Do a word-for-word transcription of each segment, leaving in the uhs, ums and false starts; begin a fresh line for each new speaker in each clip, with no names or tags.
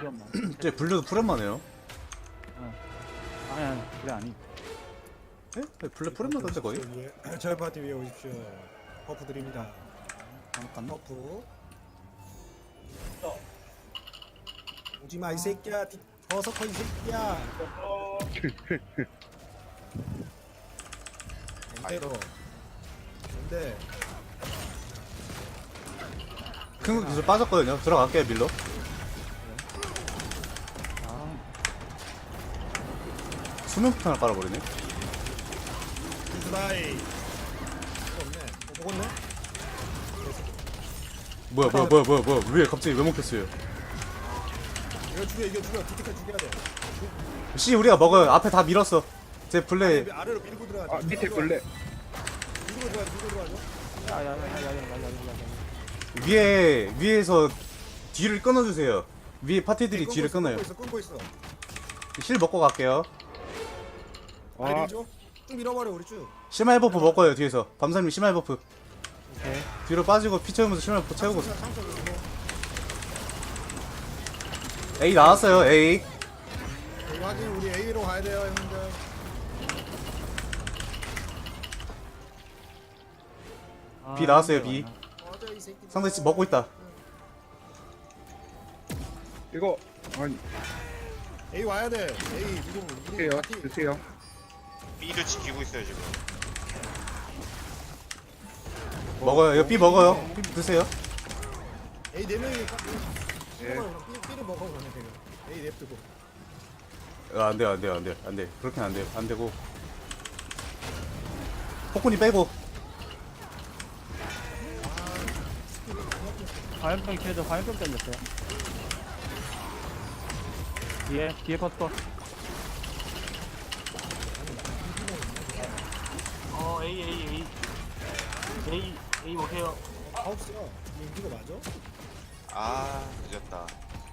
귀엽나?
쟤 블루도 프렘마네요.
아니 아니 그래 아니.
에? 네, 블루 프렘마던데 거의?
위에, 저희 파티 위에 오십시오. 버프 드립니다.
잠깐.
버프. 오지마 이 새끼야. 뒤- 버서커 이 새끼야. 엔테로. 근데
큰 기술 빠졌거든요. 들어갈게요 밀로.
아
수면폭탄을 깔아버리네.
이스라이. 없네. 어, 먹었네.
뭐야 뭐야 뭐야 뭐야 뭐야 위에 갑자기 왜 먹혔어요?
이거 죽여 이거 죽여. 디테카 죽여야 돼.
씨 우리가 먹어요. 앞에 다 밀었어. 제 플레이.
아래, 아래로 밀고 들어가.
아 밑에 걸레.
밀고 들어가. 밀고 들어가죠.
야야야야야야야야.
위에 위에서 뒤를 끊어주세요. 위에 파티들이 뒤를 끊어요.
끊고 있어. 끊고 있어.
실 먹고 갈게요.
아래
아
밀죠. 쭉 밀어버려 우리 쭉.
심할 버프 먹어요 뒤에서. 밤사님 심할 버프.
오케이.
뒤로 빠지고 피 채우면서 심할 버프 채우고.
상처, 상처 밀고.
A 나왔어요 A.
이거 확인 우리 A로 가야 돼요 형님들.
아,
B 나왔어요,
이게
B.
맞나?
맞아 이 새끼.
상대 씨 먹고 있다.
이거 아니
A 와야 돼. A 누구 누구
드세요
파티.
드세요.
B를 지키고 있어요 지금.
먹어요. 이거 B 먹어요. B 드세요.
A 네 명이 까-
예.
먹어요, 그럼 B B를 먹어 그러면 되면. A 냅두고.
아, 안 돼요, 안 돼요, 안 돼요, 안 돼. 그렇게는 안 돼요, 안 되고. 폭군이 빼고.
화염병 켜줘. 화염병 던졌어요. 뒤에 뒤에 버터.
어 A A A A A 오세요.
아 없어요. 이거 이거 맞아?
아 늦었다.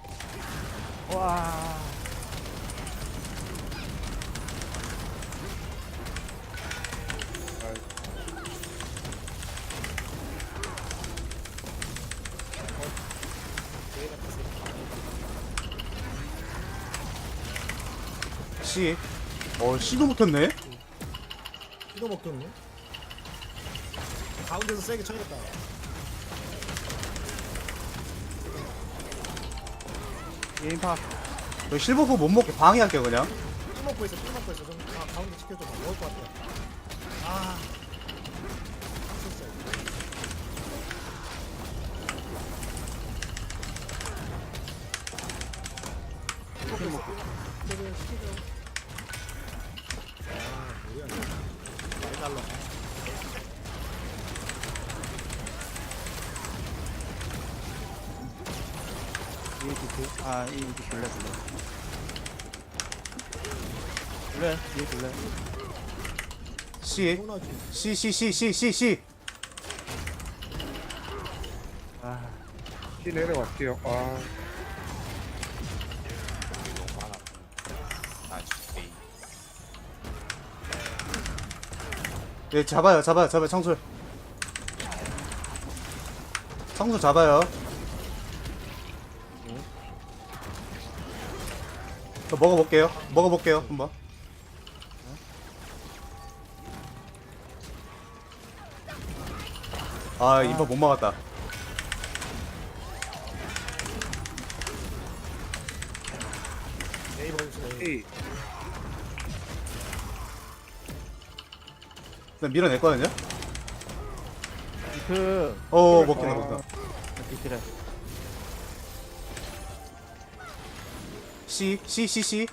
와.
C. 어, C도 먹혔네?
이거 먹겠네. 가운데서 세게 쳐야겠다.
게임파.
저 실버프 못 먹게 방해할게요, 그냥.
삐 먹고 있어. 삐 먹고 있어. 좀 아, 가운데 지켜줘. 봐. 먹을 것 같아. 아. 쳤어. 삐 먹고 있어. 저거 시키죠. 아, 뭐야. 많이 달라.
뒤에 디트. 아 이 디트 블레 블레. 블레 뒤에 블레.
C.
서운하지.
C, C, C, C, C, C.
아
시 내려갈게요. 아
여기 너무 많아. 아 진짜 A.
예, 잡아요, 잡아요, 잡아요, 청술. 청술 잡아요. 저 먹어볼게요. 먹어볼게요, 한번. 아, 인파 못 막았다.
A 먹읍시다. A.
A
일단 밀어냈거든요?
디트.
어, 먹긴 해, 먹긴 해.
디트래.
C, C, C, C.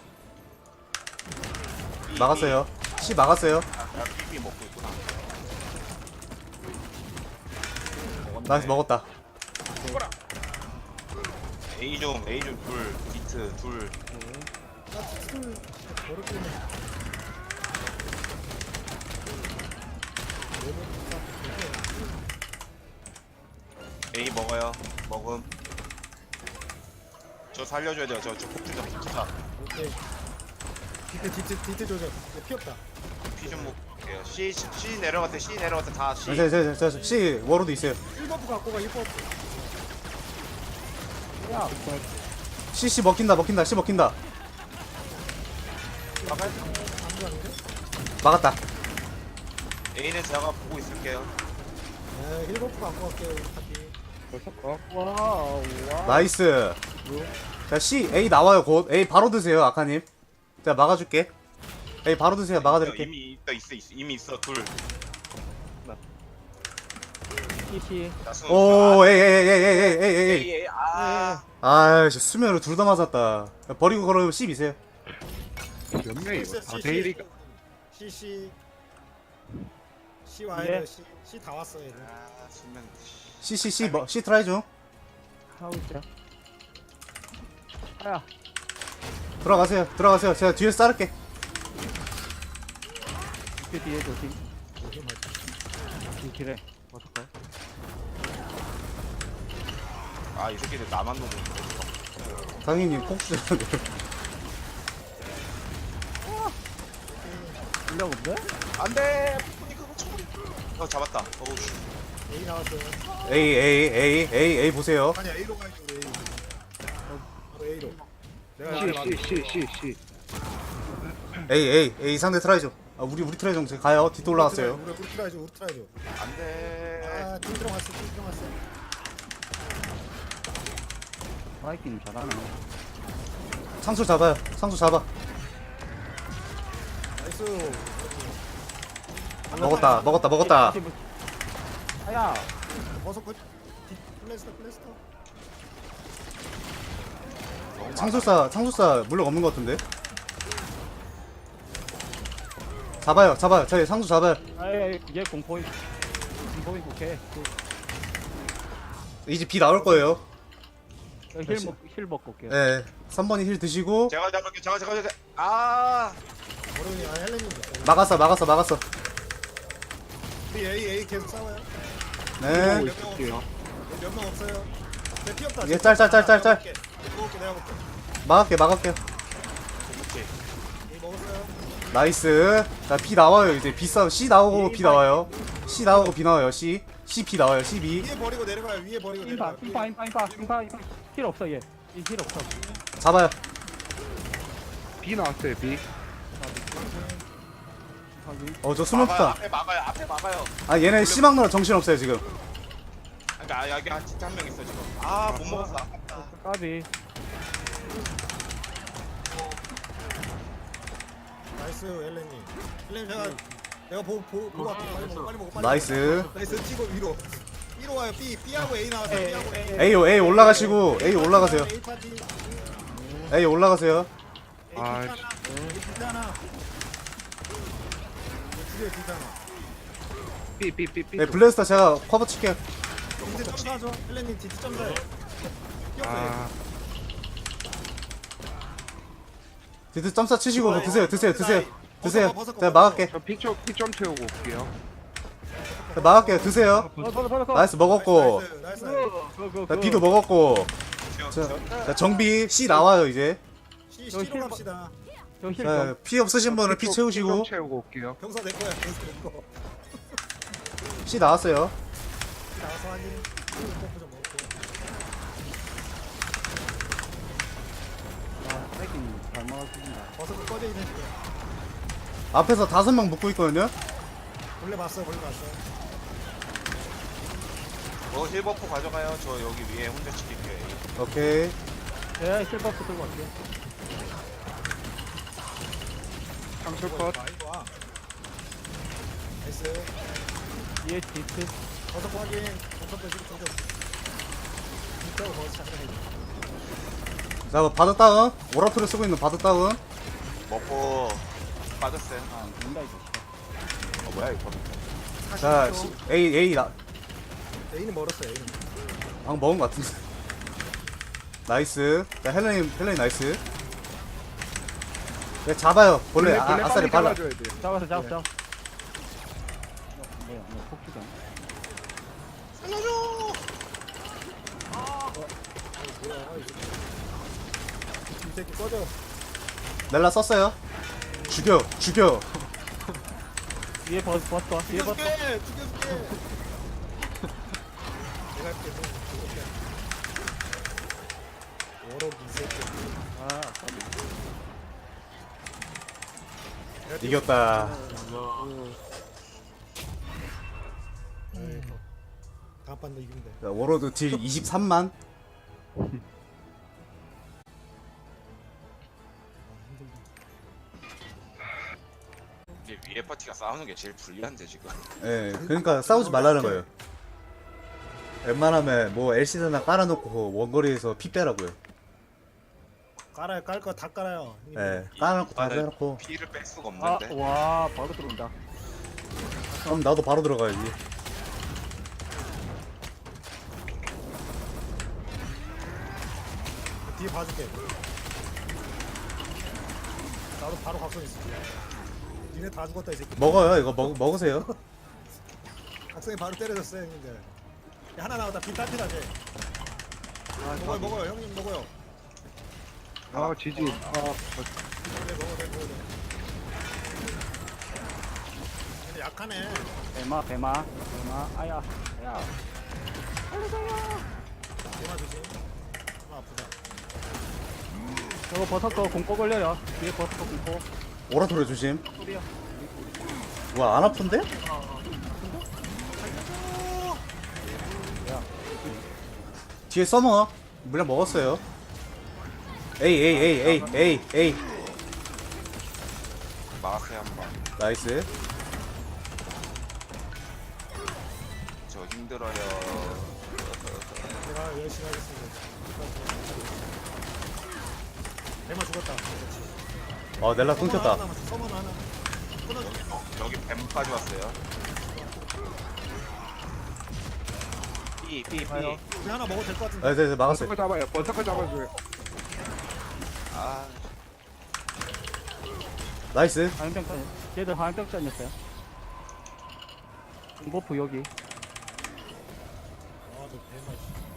막았어요. C 막았어요.
아 B B 먹고 있구나.
나이스, 먹었다.
A 좀 A 좀둘 비트 둘.
나 스쿨 어렵게 해.
A 먹어요. 먹음. 저 살려줘야 돼요. 저 저 폭주자 폭주자.
오케이. 디트 디트 디트 조져. 이거 피 없다.
피 좀 먹을게요. C C 내려갔대 C 내려갔대 다 C.
저, 저, 저, 저, C 워로도 있어요.
일 버프 갖고 가. 일 버프.
야.
씨씨 먹힌다 먹힌다 씨 먹힌다.
막아야
막았다.
A는 제가 보고 있을게요.
네, 힐버프 갖고 갈게요. 우리 파티.
벌써 어?
와우 와.
나이스. 자 C A 나와요 곧. A 바로 드세요 아카님. 제가 막아줄게. A 바로 드세요 막아드릴게.
이미 있어 있어 있어 이미 있어 둘.
씨씨.
나수.
오 에이 에이 에이 에이 에이 에이 에이.
에이 에이 아.
아이씨 수면으로 둘 다 맞았다. 버리고 걸어면 C 비세요.
몇 명이 이거? 아,
C,
데일리가.
C, C. C
예.
와야 돼. C, C 다 왔어 얘들.
아 수면.
C C C 뭐 C 트라이 중.
하고 있자. 아야.
들어가세요 들어가세요. 제가 뒤에서 자를게.
그 뒤에 조심. 이 길에. 어떡해?
아이 새끼들 나만 놓고.
당연히 폭주.
일력 없네?
안돼. 어 잡았다. 어우.
A 나왔어요.
A A A A A 보세요.
아니 A로 가야지 우리 A. 어, 바로 A로. 내가
C,
여기
C, C, C, C.
A A A 상대 트라이 중. 아 우리 우리 트라이 중 지금 가요. 뒤도 올라갔어요.
우리 우리 트라이죠. 우리 트라이죠.
안돼.
아, 팀 들어갔어. 팀 들어갔어.
마이킹 잘하네.
상수 잡아요. 상수 잡아.
나이스.
먹었다 먹었다 먹었다.
아야.
버섯 거. 플래스터 플래스터.
상술사 상술사 물력 없는 것 같은데. 잡아요 잡아요. 저희 상수 잡아요.
아예 얘 공포인. 공포인 오케이.
이제 B 나올 거예요.
힐 먹, 힐 먹고 올게요.
예. 삼 번이 힐 드시고
제가 잡을게. 제가 제가 제가. 아.
어른이 아 헬렌님 됐다.
막았어 막았어 막았어.
우리 A A 계속 싸워요.
네.
보고 있을게요.
몇 명 없어요. 내 피 없다.
얘 짤, 짤, 짤, 짤, 짤.
내가 먹게 내가 먹게.
막을게 막을게.
A 먹었어요.
나이스. 자 B 나와요 이제. B 싸움 C 나오고 B 나와요. C 나오고 B 나와요. C C B 나와요. C B.
위에 버리고 내려가요. 위에 버리고
인파,
내려가요.
인파, 인파, 인파, 인파, 인파. 힐 없어 얘. 이힐 없어.
잡아요.
B 나왔어요, B.
어 저
막아요.
수면폭탄.
앞에 막아요. 앞에 막아요.
아 얘네 C 막느라 정신 없어요 지금.
그러니까 아, 여기 한 진짜 한 명 있어 지금. 아 못 먹었어. 아깝다.
까비.
나이스 엘렌님. 엘렌 제가 내가 보고 보고 보고 갈게. 빨리 먹어 빨리 먹어 빨리.
나이스.
먹어. 나이스 치고 위로. 위로 와요. B B하고 A 나왔어요. B하고 A.
A A 올라가시고 A 올라가세요.
A 파티.
A 올라가세요.
A
아,
기타나. A 기타나. 뒤에 기타나.
B, B, B, B.
네 블래스터 제가 커버 칠게요.
이제 점사하죠. 엘렌님 뒤 점사해. 뛰었어요.
아,
디트 점사 치시고 뭐 드세요 드세요 드세요 드세요. 제가 막을게.
저 P 좀, P 좀 채우고 올게요.
제가 막을게요. 드세요.
어, 받아, 받아, 받아.
나이스 먹었고.
나이스, 나이스.
그, 그,
자,
그.
B도 먹었고.
지금
자, 자 정비 C 나와요 이제.
C C로 갑시다.
저 힐.
자,
좀.
피 없으신 분은 피
좀-
채우시고
좀 채우고 올게요.
병사 내 거야. 병사 내 거.
C 나왔어요.
나와서 하니. pom프 좀 먹고.
아, 마이킹 잘 막아줍니다.
버섯 꺼져 있는 거.
앞에서 다섯 명 묶고 있거든요.
원래 봤어. 원래 봤어.
어 힐버프 가져가요. 저 여기 위에 혼자 지킬게요.
오케이.
예, 힐버프 들고 갈게요.
상술 컷.
많이 와. 나이스.
뒤에 디트.
버섯 확인. 버섯 빼시고 좀. 진짜 버섯 잠깐.
자, 뭐 바드 다운. 오라토를 쓰고 있는 바드 다운.
먹고 빠졌어요.
아, 뭔가 있어.
어 뭐야 이거?
자, C, A A 나.
A는 멀었어. A는.
방 먹은 것 같은데. 나이스. 자, 헬렌 헬렌 나이스. 네, 잡아요. 본래 아,
원래
아싸리
빨리
발라.
잘라줘야 돼.
잡았어, 잡았어, 잡았어. 뭐야, 뭐 폭주잖아.
이 새끼 꺼져.
넬라 썼어요. 죽여, 죽여.
뒤에 버스, 버스, 와. 뒤에 버스.
죽여줄게. 죽여줄게. 내가 할게. 좀 죽여줄게. 워럭 이 새끼.
아 까비.
이겼다.
아이고. 다음 판도 이기면 돼.
자, 워로드 딜 이십삼만.
아, 힘들다.
이게 위에 파티가 싸우는 게 제일 불리한데 지금.
예, 그러니까 싸우지 말라는 거예요. 웬만하면 뭐 엘시드나 깔아놓고 원거리에서 피 빼라고요.
깔아요. 깔 거 다 깔아요. 형님.
예, 깔아놓고 다
아, 나
빼놓고.
피를 뺄 수가
아,
없는데.
와, 바로 들어온다.
그럼 나도 바로 들어가야지.
뒤에 봐줄게. 나도 바로 각성 있어. 니네 다 죽었다 이 새끼.
먹어요, 이거 먹, 먹으세요.
각성이 바로 때려줬어요 형님들. 야, 하나 나왔다. 빈 따뜻하지. 먹어요 먹어요 형님 먹어요.
아 지지. 아
네 먹어 네 먹어 네. 근데 약하네.
배마, 배마, 배마. 아야, 아야.
대마 조심. 아 아프다.
저거 버섯 거 공포 걸려요. 뒤에 버섯 거 공포.
오라토리 조심.
소리야.
뭐야, 안 아픈데? 뒤에 서머. 물량 먹었어요. 에이, 에이, 에이, 에이, 에이, 에이.
막으세요 한번.
나이스.
저 힘들어요.
제가 열심히 하겠습니다. 대마 죽었다. 그렇지.
어, 넬라 끊겼다.
서먼 하나. 끊어줘.
여기 뱀까지 왔어요. 삐, 삐, 삐.
가요.
우리 하나 먹어도 될 것 같은데.
네, 네, 네, 막았어요.
버터커 잡아요. 버터커 잡아줘요.
아,
나이스.
화염병전. 쟤들 화염병전이었어요. 공버프 여기.
아저 대마.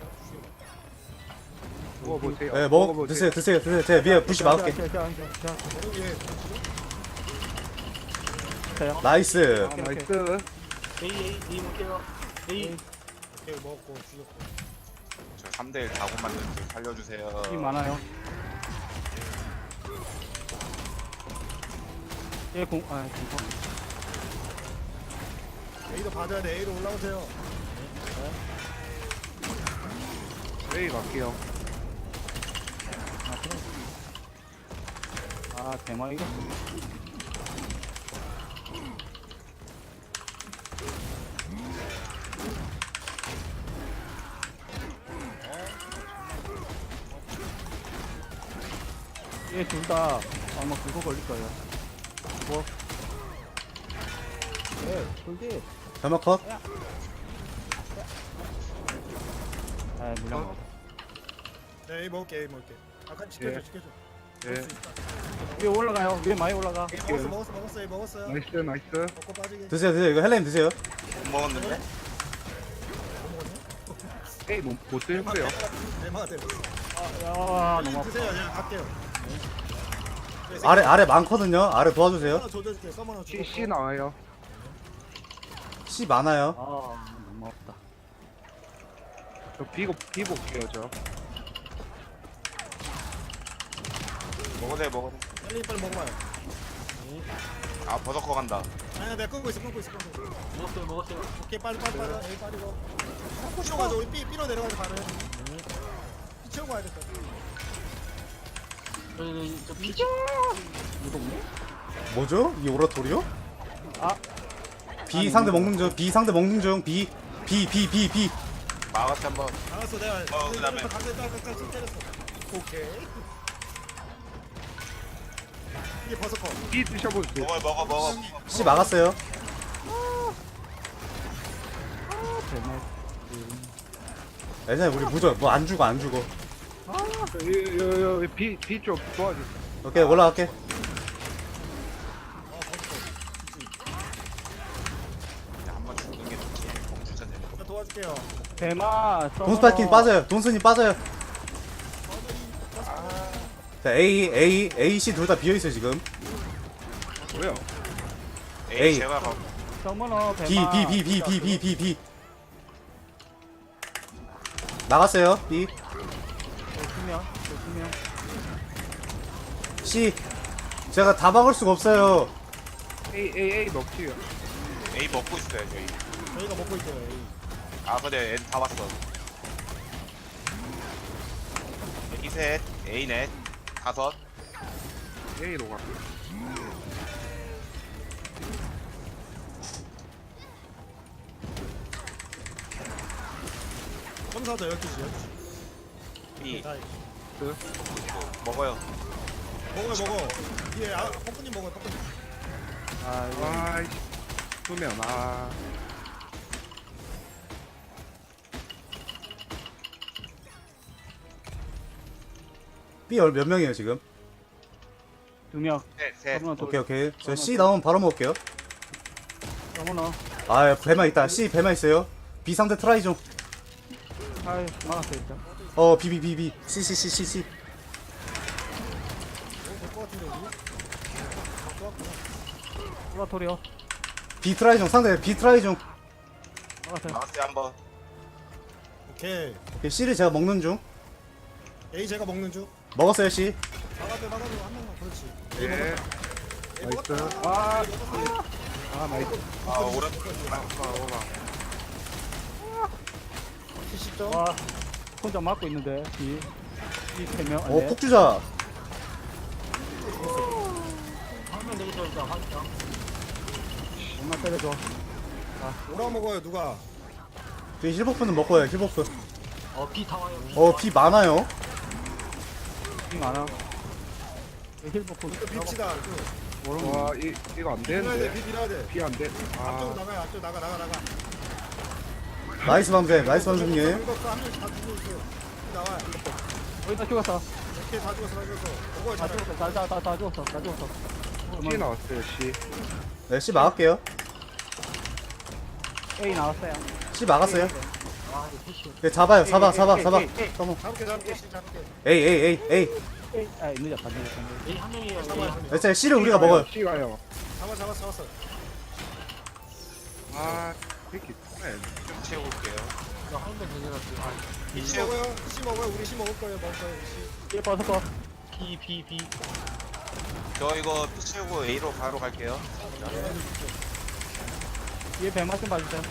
먹어보세요.
네, 먹,
먹어보세요.
드세요, 드세요, 드세요. 제가 위에 부시 막을게.
자, 자, 자, 자,
머리 위에.
자요.
나이스.
아, 나이스.
A A A 먹게요. A
오케이 먹었고 죽였고.
저 삼 대 일 다고 만드는데 살려주세요.
힘 많아요. 얘 공, 아, 공포.
A도 봐줘야 돼. A로 올라오세요.
A 갈게요.
아, 그래. 아, 대마 이거. 얘 둘 다 아마 그거 걸릴 거예요. 뭐? 네, 돌지.
점화 컷.
아, 물량 먹어.
네 A 먹을게 A 먹을게. 아까 지켜줘
예.
지켜줘.
예.
위에 올라가요. 위에 많이 올라가.
A 먹었어 먹었어 먹었어 A 먹었어요.
나이스 나이스.
먹고 빠지게.
드세요, 드세요. 이거 헬렌 드세요.
못 먹었는데?
뭐 먹었냐?
A 못못 거예요.
대마가 되고.
아, 야,
빨리
너무 아파.
드세요. 그냥 갈게요. 네,
아래, 아래 많거든요. 아래 도와주세요.
하나 조져줄게. 서머너
C
죽었고.
C 나와요.
C 많아요.
아, 너무 아프다.
저 비고 비 볼게요 저.
먹어도 돼, 먹어도 돼.
빨리 빨리 먹어봐요.
아, 버섯커 간다.
아니야 내가 끊고 있어 끊고 있어 끊고 있어.
먹었어요 먹었어요.
오케이 빨리 빨리 빨리 A 빠지고. B로 가자 우리 B B로 내려가자 바로. B 채우고 와야 될 것 같아.
저는 저 B
뭐죠? 이 오라토리요?
아,
B 상대 먹는 중. B 상대 먹는 중. B, B, B, B, B.
막았지 한번.
알았어 내가.
어, 그다음에.
강대 딸깍딸깍 때렸어. 오케이. 이게 버섯 거.
B 드셔보세요.
먹어, 먹어, 먹어.
C 막았어요.
대마.
예전에 우리 무적 뭐 안 죽어 안 죽어.
여여여 B B 쪽 도와주세요.
오케이 올라갈게.
한번 죽는 게 좋지. 공주자 되는 거.
자 도와줄게요.
대마.
돈스파이킹 빠져요. 돈순이 빠져요. 자 A, A, A, C 둘 다 비어 있어 요 지금.
뭐야?
에이,
에이.
제가 가.
정문어
B,
대마.
B, B, B, B, B, B, B. 나갔어요. B.
어, 수면. 두명
C 제가 다 막을 수가 없어요.
A A A 먹지요.
A 먹고 있어요 저희.
저희가 먹고 있어요. A.
아 근데 애들 다 왔어. A 셋, A 넷, 다섯.
A로 가.
점사자 열두 시 열두 시.
B
다
먹어요.
먹어요 먹어. 예, 아, 뻐꾸님 먹어요 뻐꾸님.
아 이거
아이씨. 두면 아.
B 얼- 몇 명이에요 지금?
두명
셋, 셋.
서문어 돌
오케이 오케이. 저 C 나오면 바로 먹을게요.
서문어
아 배만 있다. C 배만 있어요. B 상대 트라이 좀.
아이 막았어 일단
어 B B B B C C C C C.
될것 같은데 우리. 좋았구나.
플라토리오
B 트라이 좀 상대 B 트라이 좀.
막았어요
나왔어요 한번.
오케이.
오케이, C를 제가 먹는 중.
A 제가 먹는 중.
먹었어요 C.
막아줘 막아줘 한 명만 그렇지. A
예.
먹었다. A
나이스.
먹었다.
아.
아 나이스
아 오른.
오바 오바.
칠십 점.
와 혼자 막고 있는데 이 이 세명
어 폭주자.
한명 내리서 일단 하자.
엄마 때려줘
오라 먹어요 누가?
저희 힐버프는 먹고요 힐버프.
어, B 다 와요. B.
어 B 많아요.
이 많아 힐버프
또 빕시다. 또.
와, 이 이거 안
빌어야 돼.
되는데.
비 빌어야 돼.
B 안 돼.
앞쪽으로
아.
나가요. 앞쪽 나가 나가 나가.
나이스 밤새 나이스 밤새님.
긁었어. 한 명씩 다 죽고 있어. 비 나와요.
거의 다 죽었어
이렇게 다 죽었어 다 죽었어. 먹어요
다
잘.
죽었어 다다다 죽었어 다 죽었어
C 나왔어요. C.
네 C 막을게요.
A 나왔어요
C 막았어요.
아, 이거 패시.
네 잡아요 잡아
에이,
잡아
에이,
잡아.
에이, 에이.
잡아.
잡을게 잡을게 씨, 잡을게.
A A A A.
A 아 늦었다 늦었다
A 한 명이에요.
잡아요.
A.
네, 자 C를 우리가 먹어요.
C 가요.
잡아 잡아 잡았어.
아, 이렇게 정말.
좀 채우고 올게요.
한명 내려놨어요. 아,
B
씨
채우고.
먹어요. 씨 먹어요. 우리 씨 먹을 거예요. 먹을 거예요. 우리 씨.
A 버섯거
B, B, B.
저 이거 B 채우고 A로 바로 갈게요.
뒤에 배만 좀 봐주세요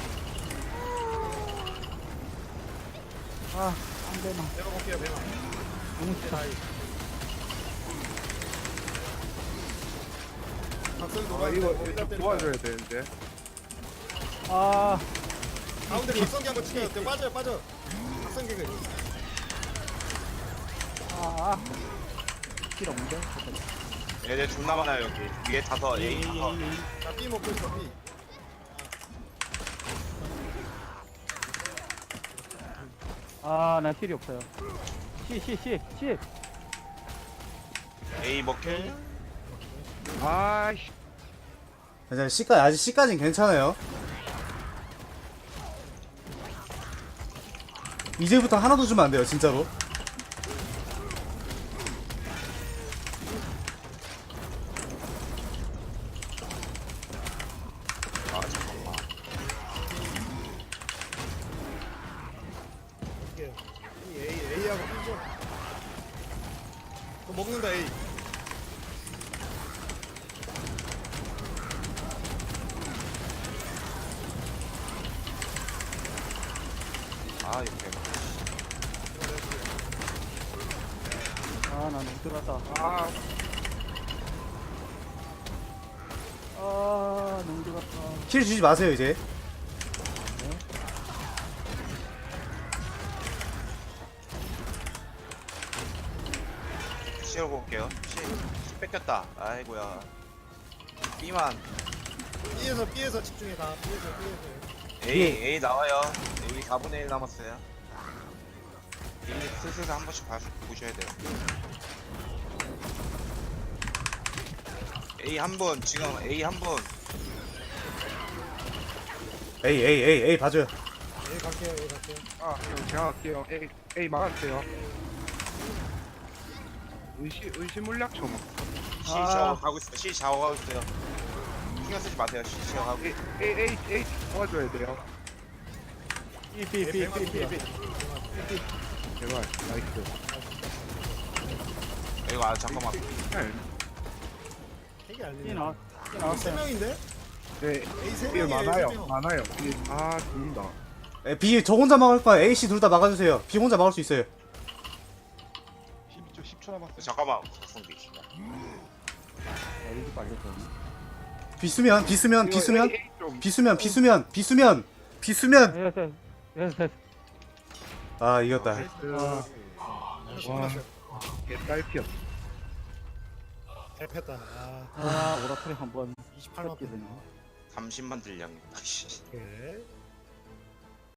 아 안되나
내가 먹게요. 배가.
너무 싫다
각성
아,
놀아야
이거
돼.
좀 도와줘야 되는데.
아
가운데 각성기 한번 치켜요. 그 빠져요 빠져. 각성기 그.
아, 필요 없는데?
얘들 존나 많아요 여기. 위에 다섯,
A,
A
A,
다섯.
A, A.
자 B 먹고 있어 B.
아, 나 필요 없어요. C, C, C, C.
A 먹혀.
아이씨.
괜찮아요. C까지 아직 C까지는 괜찮아요. 이제부터 하나도 주면 안 돼요 진짜로.
아 잠깐만.
이게 이 A A하고 B죠. 또 먹는다 A.
아 이렇게.
아, 나 너무 들어갔다.
아,
아, 너무 들어갔다.
킬 주지 마세요 이제.
B 채우고 올게요. C, C 뺏겼다. 아이고야. B만.
B에서 B에서 집중해 다. B에서 B에서.
A A 나와요. 여기 사분의 일 남았어요. 이 슬슬 한 번씩 봐, 보셔야 돼요. A 한 분, 지금 A 한 분.
A A A A 봐줘요.
A 갈게요 A 갈게요.
아, 형, 제가 할게요. A, A 막았어요. 의시, 의시 물약 좀.
C
아.
샤워하고 있어요. C 샤워하고 있어요. 신경 쓰지 마세요. C 샤워하고.
A, A, A, A 도와줘야 돼요.
B, B, B, B, B, B.
제발, 나이스.
이거 아 잠깐만.
핵이 안
이
되네.
나왔 이
세
나왔어요.
명인데?
네,
A 세
일
명이에요.
많아요.
세 명.
많아요. 일, 아, 죽는다.
에, B 저 혼자 막을 거야. A, C 둘 다 막아주세요. B 혼자 막을 수 있어요.
십이 초, 십 초 남았어.
잠깐만. 각성기.
엘지 빨렸거든요.
B 쓰면 B 쓰면 B 쓰면
A, A 좀.
B 쓰면 B 쓰면 B 쓰면 B 쓰면
예, 예, 예, 예.
아 이겼다.
아,
하나씩
와.
끝났어요.
개딸피였어.
대패다. 아,
아, 오라클이 한번
이십팔 만
뺏기네요.
삼십만 딜량. 씨.
오케이.